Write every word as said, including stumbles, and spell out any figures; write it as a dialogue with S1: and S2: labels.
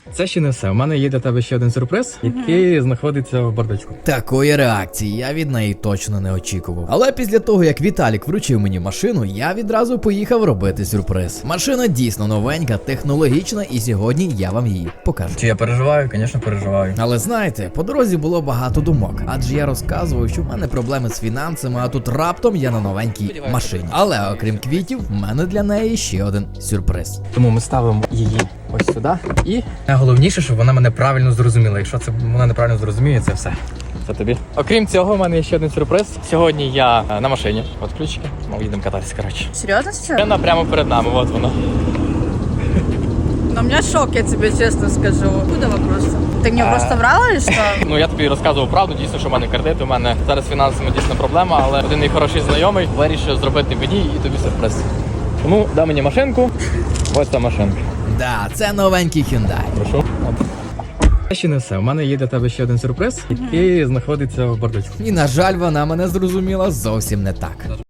S1: Це ще не все. У мене є для тебе ще один сюрприз, який uh-huh. знаходиться в бардачку.
S2: Такої реакції я від неї точно не очікував. Але після того, як Віталік вручив мені машину, я відразу поїхав робити сюрприз. Машина дійсно новенька, технологічна, і сьогодні я вам її покажу.
S1: Чи я переживаю? Звісно, переживаю.
S2: Але знаєте, по дорозі було багато думок, адже я розказував, що в мене проблеми з фінансами, а тут раптом я на новенькій машині. Але окрім квітів, в мене для неї ще один сюрприз.
S1: Тому ми ставимо її ось сюди. І найголовніше, щоб вона мене правильно зрозуміла. Якщо це вона неправильно зрозуміє, це все. Це тобі. Окрім цього, в мене є ще один сюрприз. Сьогодні я на машині. От ключики. Ми їдемо кататися, коротше.
S3: Серьезно сейчас?
S1: Вона прямо перед нами, от вона.
S3: Но у меня шок, я тебе честно скажу. Откуда вопрос? Ты мне просто врала или что?
S1: Ну, я тобі розказував правду, дійсно, що в мене кредит, у мене зараз фінансами дійсно проблема, але один мій хороший знайомий вирішив зробити мені і тобі сюрприз. Тому дай мені машинку, ось та машинка.
S2: Да, це новенький Hyundai.
S1: Прошу. Це ще не все. У мене є для тебе ще один сюрприз, який знаходиться в бардачку.
S2: І на жаль, вона мене зрозуміла зовсім не так.